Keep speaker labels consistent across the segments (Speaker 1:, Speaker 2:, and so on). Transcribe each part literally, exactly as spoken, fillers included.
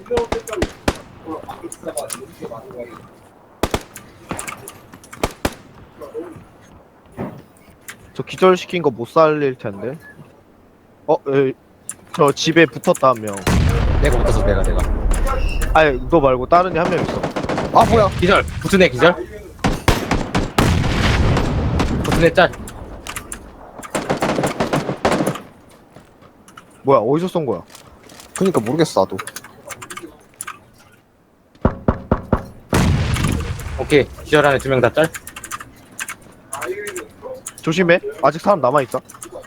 Speaker 1: 저 기절시킨 거 못 살릴 텐데. 어, 에, 저 집에 붙었다 한 명.
Speaker 2: 내가 붙었어 내가 내가
Speaker 1: 아니, 너 말고 다른 애 한 명 있어.
Speaker 3: 아 뭐야?
Speaker 2: 기절 붙은 애 기절 붙은 애짤
Speaker 1: 뭐야, 어디서 쏜 거야?
Speaker 3: 그니까 모르겠어 나도.
Speaker 2: 오케이 기절 안에 두 명 다짤
Speaker 1: 조심해. 아직 사람 남아있어.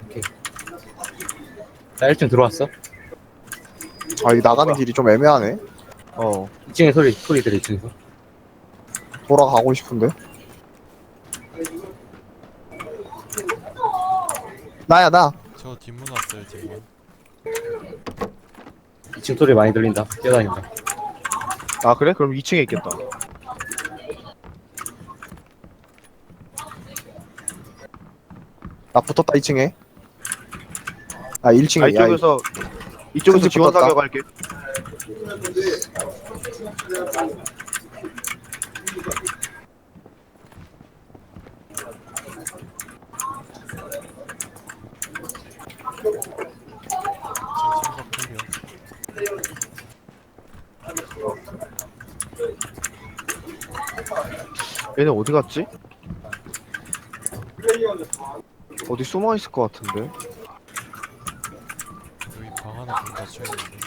Speaker 2: 나 일 층 들어왔어
Speaker 3: 아 이 나가는 길이 좀 애매하네.
Speaker 1: 어.
Speaker 2: 이 층에 소리 소리 들려 이 층에서
Speaker 3: 돌아가고 싶은데. 나야 나.
Speaker 4: 저 뒷문 왔어요 뒷문.
Speaker 2: 이 층 소리 많이 들린다 뛰어다닌다
Speaker 1: 아, 그래? 그럼 이 층에 있겠다.
Speaker 3: 나 붙었다 이 층에. 아 일 층에.
Speaker 1: 아, 이쪽에서, 이쪽에서
Speaker 3: 큰집
Speaker 1: 지원
Speaker 3: 붙었다.
Speaker 1: 사격할게.
Speaker 4: 제 생각 클리어.
Speaker 1: 얘네 어디 갔지? 어디 숨어 있을 것 같은데.
Speaker 4: 여기 방 하나 문 닫혀 있는데.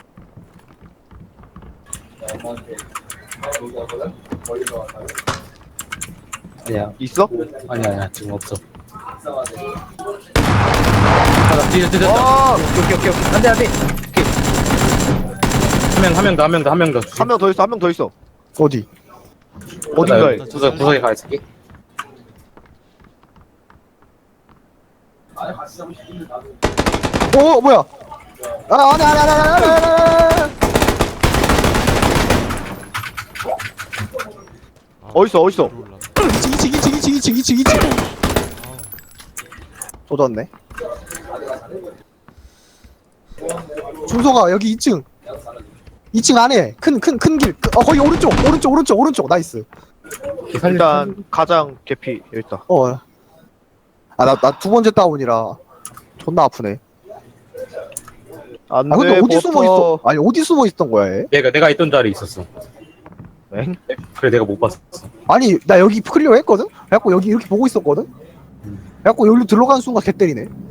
Speaker 2: 아니야
Speaker 1: 있어?
Speaker 2: 아니야 아니야 지금 없어 아나 뒤져 뒤졌다
Speaker 1: 아,
Speaker 2: 오케이 오케이 오케이 안돼 안돼 오케이 한 명 한 명 더 한 명 더 한 명더
Speaker 1: 한 명 더 있어, 한 명 더 있어.
Speaker 3: 어디?
Speaker 1: 어딘가에.
Speaker 2: 구석 구석에 가 있을게
Speaker 3: 오 뭐야? 아 안돼 안돼 안돼 안돼 안돼.
Speaker 4: 아,
Speaker 1: 어딨어, 어딨어?
Speaker 4: 위로 올라가.
Speaker 3: 이층 이층 이층 이층 이층 이층 이층.
Speaker 4: 아우,
Speaker 3: 또 졌네. 준서가 여기 이 층. 이 층 안에 큰 큰 큰 길. 어 거기 오른쪽 오른쪽 오른쪽 오른쪽 나이스.
Speaker 1: 일단 가장 개피 여기 있다.
Speaker 3: 어. 아 나 나 두 번째 다운이라 존나 아프네.
Speaker 1: 안돼.
Speaker 3: 아 근데 어디 숨어 있어? 아니 어디 숨어 있던 거야 얘?
Speaker 2: 내가 내가 있던 자리에 있었어
Speaker 1: 엥?
Speaker 2: 그래 내가 못 봤어
Speaker 3: 아니 나 여기 클리어 했거든? 그래갖고 여기 이렇게 보고 있었거든? 그래갖고 여기로 들어가는 순간 개 때리네.